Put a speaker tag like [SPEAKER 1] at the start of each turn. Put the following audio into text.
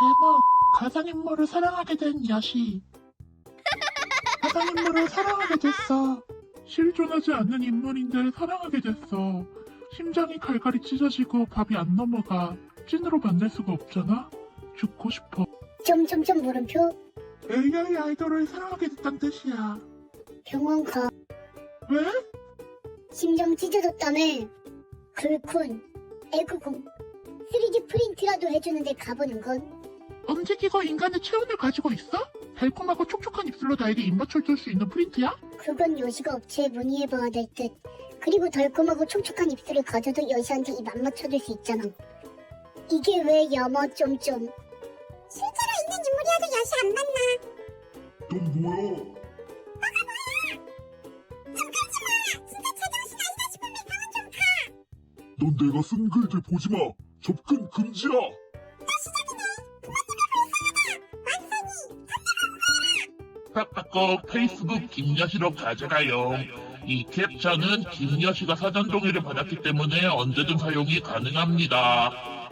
[SPEAKER 1] 제목 가상인물을 사랑하게 된 야시. 가상인물을 사랑하게 됐어. 실존하지 않는 인물인데 사랑하게 됐어. 심장이 갈갈이 찢어지고 밥이 안 넘어가. 찐으로 만날 수가 없잖아. 죽고 싶어.
[SPEAKER 2] 점점점 물음표.
[SPEAKER 1] AI 아이돌을 사랑하게 됐단 뜻이야.
[SPEAKER 2] 병원 가.
[SPEAKER 1] 왜?
[SPEAKER 2] 심장 찢어졌다며. 글콘, 에그공, 3D 프린트라도 해주는데 가보는 건?
[SPEAKER 1] 움직이고 인간의 체온을 가지고 있어? 달콤하고 촉촉한 입술로 나에게 입 맞춰줄 수 있는 프린트야?
[SPEAKER 2] 그건 여시가 업체에 문의해봐야 될 듯. 그리고 달콤하고 촉촉한 입술을 가져도 여시한테 입 안 맞춰줄 수 있잖아. 이게 왜 야마 점점. 실제로 있는 인물이어도 여시 안 만나.
[SPEAKER 3] 넌 뭐야? 넌 내가 쓴 글들 보지마! 접근 금지야!
[SPEAKER 4] 팍팍고 페이스북 김여시로 가져가요. 이 캡처는 김여시가 사전 동의를 받았기 때문에 언제든 사용이 가능합니다.